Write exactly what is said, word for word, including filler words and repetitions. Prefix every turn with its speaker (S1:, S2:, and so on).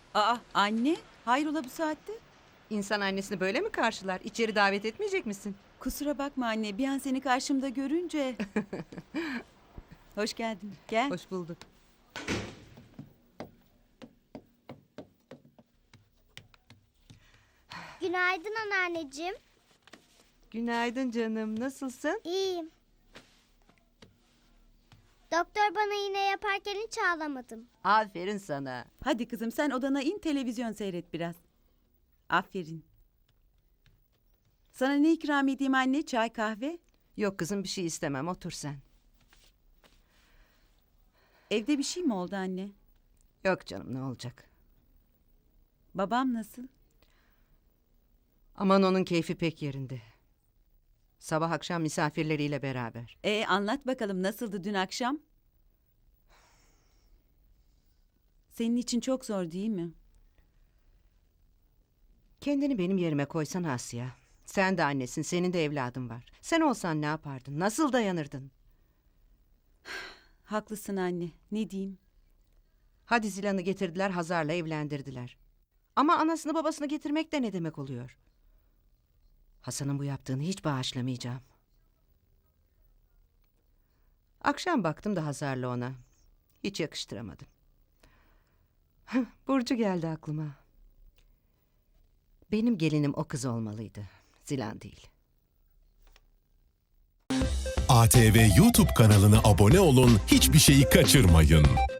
S1: Aa anne, hayrola bu saatte?
S2: İnsan annesini böyle mi karşılar? İçeri davet etmeyecek misin?
S1: Kusura bakma anne, bir an seni karşımda görünce... Hoş geldin, gel.
S2: Hoş bulduk.
S3: Günaydın anneanneciğim.
S2: Günaydın canım. Nasılsın?
S3: İyiyim. Doktor bana iğne yaparken hiç ağlamadım.
S2: Aferin sana.
S1: Hadi kızım sen odana in, televizyon seyret biraz. Aferin. Sana ne ikram edeyim anne, çay kahve?
S2: Yok kızım, bir şey istemem. Otur sen.
S1: Evde bir şey mi oldu anne?
S2: Yok canım, ne olacak?
S1: Babam nasıl?
S2: Aman onun keyfi pek yerinde. Sabah akşam misafirleriyle beraber.
S1: E anlat bakalım nasıldı dün akşam? Senin için çok zor değil mi?
S2: Kendini benim yerime koysan Asya. Sen de annesin, senin de evladın var. Sen olsan ne yapardın? Nasıl dayanırdın?
S1: Haklısın anne, ne diyeyim?
S2: Hadi Zilan'ı getirdiler, Hazar'la evlendirdiler. Ama anasını babasını getirmek de ne demek oluyor? Hasan'ın bu yaptığını hiç bağışlamayacağım. Akşam baktım da Hazar'la ona. Hiç yakıştıramadım. Burcu geldi aklıma. Benim gelinim o kız olmalıydı. Zilan değil.
S4: A T V YouTube kanalına abone olun, hiçbir şeyi kaçırmayın.